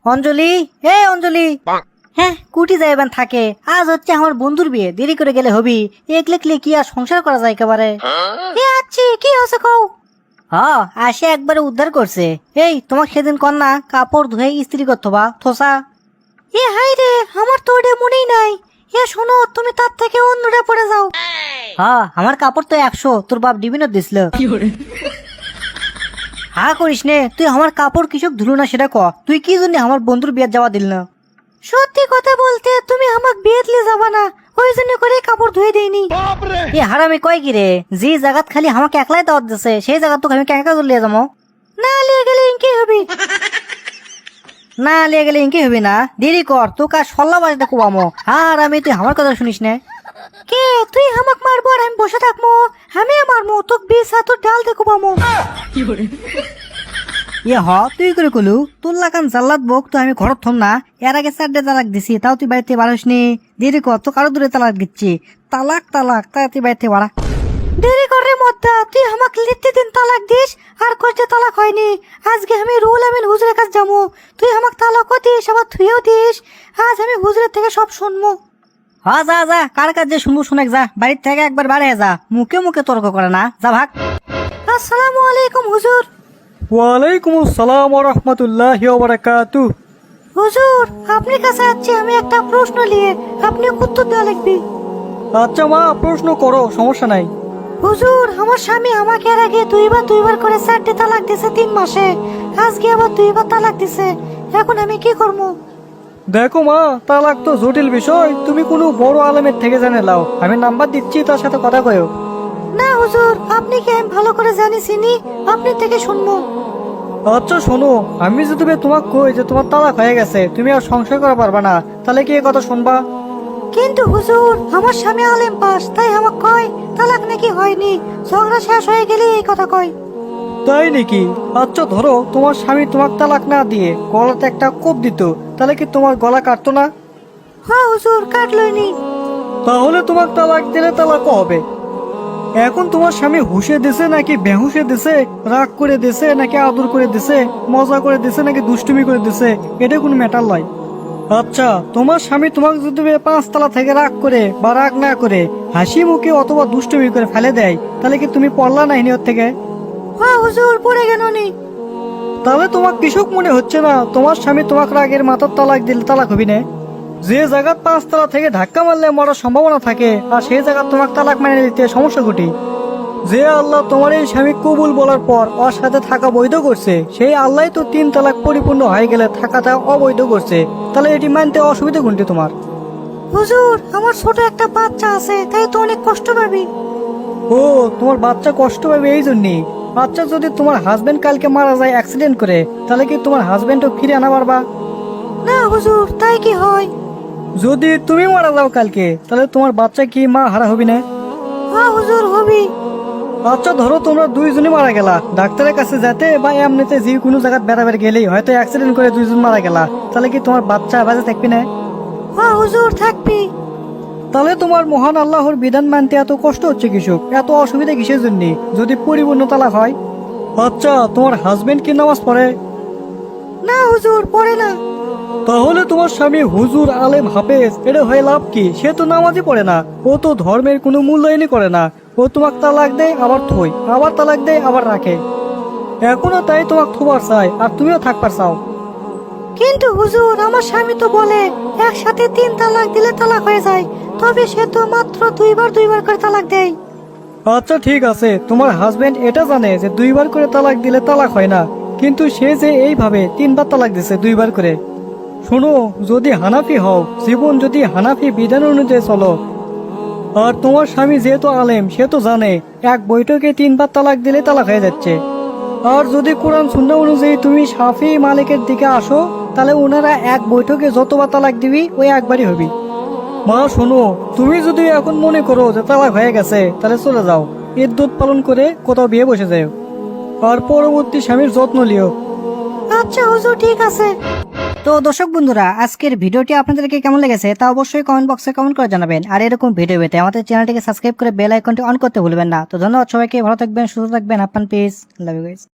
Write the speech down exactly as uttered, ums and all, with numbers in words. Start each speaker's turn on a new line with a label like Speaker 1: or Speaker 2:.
Speaker 1: অঞ্জলি, এ অঞ্জলি। হ্যাঁ, কুটি যাইবেন থাকে। আজ হচ্ছে আমার বন্ধুর বিয়ে, দেরি করে গেলে হবি। একলেকলে কি আর সংসার করা যায় একেবারে। এ আচ্ছি, কি হয়েছে কও? হ্যাঁ, আসে একবারে উদ্ধার করছে। এই তোমাকে সেদিন কন্যা কাপড় ধুয়ে ইস্ত্রি করতো বা থোসা। এ হাই রে, আমার তো ওটা মনেই নাই। এ শোনো, তুমি তার থেকে অন্যটা পড়ে যাও। হ্যাঁ, আমার কাপড় তো একশো, তোর বাপ ডিবিনো দিছিল। হা করিস নে, তুই আমার কাপড় কিসব ধুলো না সেটা ক। তুই কি জন্য আমার বন্ধুর বিয়ে যাওয়া দিল না? সত্যি কথা বলতে তুমি আমাকে বিয়ে দিলে যাবা না, ওই জন্য করে কাপড় ধুয়ে দেইনি। এ হারামি কয় কি রে, যে জায়গাত খালি আমাকে একলাই দাওয়াত দিছে সেই জায়গা তোকে আমি কেঁকা করে লিয়ে যাবো? না লিয়ে গেলে ইনকি হবি। না লিয়ে গেলে ইনকি হবি না, দেরি কর, তোকে আর সল্লা বাজতে কুবামো। আর আমি তুই আমার কথা শুনিস না। কে তুই আমাকে মারবো আর আমি বসে থাকবো? আমি মারবো তোকে বিষ হাতুর ডাল দেখো পামো। ইয়ে হ, তুই করে কলু তোর লাগান জাল্লাত বক তো আমি ঘরত থম না। এর আগে চারটে তালাক দিছি, তাও তুই বাড়িতে বাড়িস নি। দেরি কর, তো কারো দূরে তালাক দিচ্ছি। তালাক তালাক তাই তুই বাড়িতে বাড়া। দেরি করে মদ্দা, তুই আমাকে লিখতে দিন তালাক দিস আর কষ্টে তালাক হয়নি। আজকে আমি রুল আমিন হুজুরের কাছে যাবো। তুই আমাকে তালাকও দিস আবার থুয়েও দিস। আজ আমি হুজুরের থেকে সব শুনবো। হ্যাঁ যা যা, কার কাছে শুনবো শুনেক যা, বাড়ির থেকে একবার বাড়ে যা, মুখে মুখে তর্ক করে না, যা ভাগ। আসসালামু আলাইকুম হুজুর।
Speaker 2: ওয়ালাইকুম আসসালাম ওয়া রাহমাতুল্লাহি ওয়া বারাকাতুহু।
Speaker 1: হুজুর, আপনি কাছে আছি আমি একটা প্রশ্ন নিয়ে, আপনি উত্তর দেওয়া লিখবি।
Speaker 2: আচ্ছা মা, প্রশ্ন করো, সমস্যা নাই।
Speaker 1: হুজুর, আমার স্বামী আমাকে এর আগে দুইবার দুইবার করে চারটে তালাক দিছে তিন মাসে। আজকে আবার দুইবার তালাক দিছে, এখন আমি কি করবো?
Speaker 2: দেখো মা, তালাক তো জটিল বিষয়, তুমি কোনো বড় আলেমের থেকে জেনে লাও। আমি নাম্বার দিচ্ছি, তার সাথে কথা কয়ো।
Speaker 1: না হুজুর, আপনি কি আমি ভালো করে জানি চিনি, আপনি থেকে শুনবো।
Speaker 2: আচ্ছা শোনো, আমি যদি তোমাকে কই যে তোমার তালাক হয়ে গেছে, তুমি আর সংশয় করা পারবা না, তাহলে কি এই কথা শুনবা?
Speaker 1: কিন্তু হুজুর, আমার স্বামী আলেম পাস, তাই আমাকে কয় তালাক নাকি হয়নি, ঝগড়া শেষ হয়ে গেলে এই কথা কয়।
Speaker 2: তাই নাকি? আচ্ছা ধরো তোমার স্বামী তোমাকে তালাক না দিয়ে গলাতে একটা কোপ দিত, তাহলে কি তোমার গলা কাটতো না?
Speaker 1: হ্যাঁ হুজুর, কাটলইনি।
Speaker 2: তাহলে তোমাকে তালাক দিলে তালাকও হবে। এখন তোমার স্বামী হুশে দিছে নাকি বেহুশে দিছে, রাগ করে দিছে নাকি আদর করে দিছে, মজা করে দিছে নাকি দুষ্টুমি করে দিছে, এটা কোনো ম্যাটার নয়। আচ্ছা, তোমার স্বামী তোমাকে যদি পাঁচতলা থেকে রাগ করে বা রাগ না করে হাসি মুখে অথবা দুষ্টুমি করে ফেলে দেয়, তাহলে কি তুমি পড়লা না হিনিয়র থেকে?
Speaker 1: হ্যাঁ হুজুর, পড়ে গেল নি।
Speaker 2: তাহলে তোমার কৃষক মনে হচ্ছে না তোমার স্বামী তোমাকে রাগের মাথার তালাক দিলে তালাক হবি না? যে জায়গার পাঁচতলা থেকে ধাক্কা মারলে মরার সম্ভাবনা থাকে, আর সেই জায়গা তোমাকে তালাক মেনে নিতে সমস্যা ঘটি। যে আল্লাহ তোমার এই স্বামী কবুল বলার পর ওর সাথে থাকা বৈধ করছে, সেই আল্লাহ তো তিন তালাক পরিপূর্ণ হয়ে গেলে থাকাটা অবৈধ করছে, তাহলে এটি মানতে অসুবিধা কোনটি তোমার?
Speaker 1: হুজুর, আমার ছোট একটা বাচ্চা আছে, তাই তো অনেক কষ্ট পাবি।
Speaker 2: ও, তোমার বাচ্চা কষ্ট পাবে এই জন্যই। আচ্ছা, যদি তোমার হাজবেন্ড কালকে মারা যায় অ্যাক্সিডেন্ট করে, তাহলে কি তোমার হাজবেন্ডও ফিরে আনা পারবা?
Speaker 1: না হুজুর, তাই কি হয়?
Speaker 2: যদি তুমি মারা যাও কালকে, তাহলে তোমার বাচ্চা কি মা হারা হবি না?
Speaker 1: হ্যাঁ হুজুর, হবি।
Speaker 2: আচ্ছা ধরো তোমরা দুইজনই মারা গেলা, ডাক্তারের কাছে যেতে বা এমনিতে যে কোনো জায়গায় বেড়াবের গেলেই হয়তো অ্যাক্সিডেন্ট করে দুইজন মারা গেলা, তাহলে কি তোমার বাচ্চা বাজে থাকবি না?
Speaker 1: হ্যাঁ হুজুর, থাকবি।
Speaker 2: তাহলে তোমার মহান আল্লাহর বিধান মানতে এত কষ্ট হচ্ছে কৃষক, এত অসুবিধা কিসের জন্য যদি পরিপূর্ণ তালাক হয়? আচ্ছা, তোমার হাজবেন্ড কি নামাজ পড়ে?
Speaker 1: না হুজুর, পড়ে না।
Speaker 2: তাহলে তোমার স্বামী হুজুর আলেম হাফেজ, এটা হয়ে লাভ কি? সে তো নামাজই পড়ে না, ও তো ধর্মের কোনো মূল্যায়নই করে না। ও তোমাকে তালাক দেয় আবার থই, আবার তালাক দেয় আবার রাখে। এখনো তাই তোমাকে থোবার চাই আর তুমিও থাকবার চাও।
Speaker 1: কিন্তু হুজুর, আমার স্বামী তো বলে একসাথে তিন তালাক দিলে তালাক হয়ে যায়, তবে সে তো মাত্র দুইবার দুইবার করে তালাক দেয়।
Speaker 2: আচ্ছা ঠিক আছে, তোমার হাজবেন্ড এটা জানে যে দুইবার করে তালাক দিলে তালাক হয় না, কিন্তু সে যে এইভাবে তিনবার তালাক দিছে দুইবার করে। শোনো, যদি হানাফি হও, জীবন যদি হানাফি বিধান অনুযায়ী চলো, আর তোমার স্বামী যেহেতু আলেম সে তো জানে এক বৈঠকে তিনবার তালাক দিলে তালাক হয়ে যাচ্ছে। আর যদি কোরআন সুন্নাহ অনুযায়ী তুমি শাফি মালিকের দিকে আসো, তাহলে ওনারা এক বৈঠকে যতবার তালাক দিবি ওই একবারই হবি। মা শোনো, তুমি যদি এখন মনে করো যে তালাক হয়ে গেছে, তাহলে চলে যাও, ইদ্যুৎ পালন করে কোথাও বিয়ে বসে যাও, আর পরবর্তী স্বামীর যত্ন লিও।
Speaker 1: আচ্ছা হুজুর, ঠিক আছে। তো দর্শক বন্ধুরা, আজকের ভিডিওটি আপনাদেরকে কেমন লেগেছে তা অবশ্যই কমেন্ট বক্সে কমেন্ট করে জানাবেন। আর এরকম ভিডিও পেতে আমাদের চ্যানেলটিকে সাবস্ক্রাইব করে বেল আইকনটি অন করতে ভুলবেন না। তো ধন্যবাদ সবাইকে, ভালো থাকবেন, সুস্থ থাকবেন, আপনার পিস, লাভ ইউ গাইস।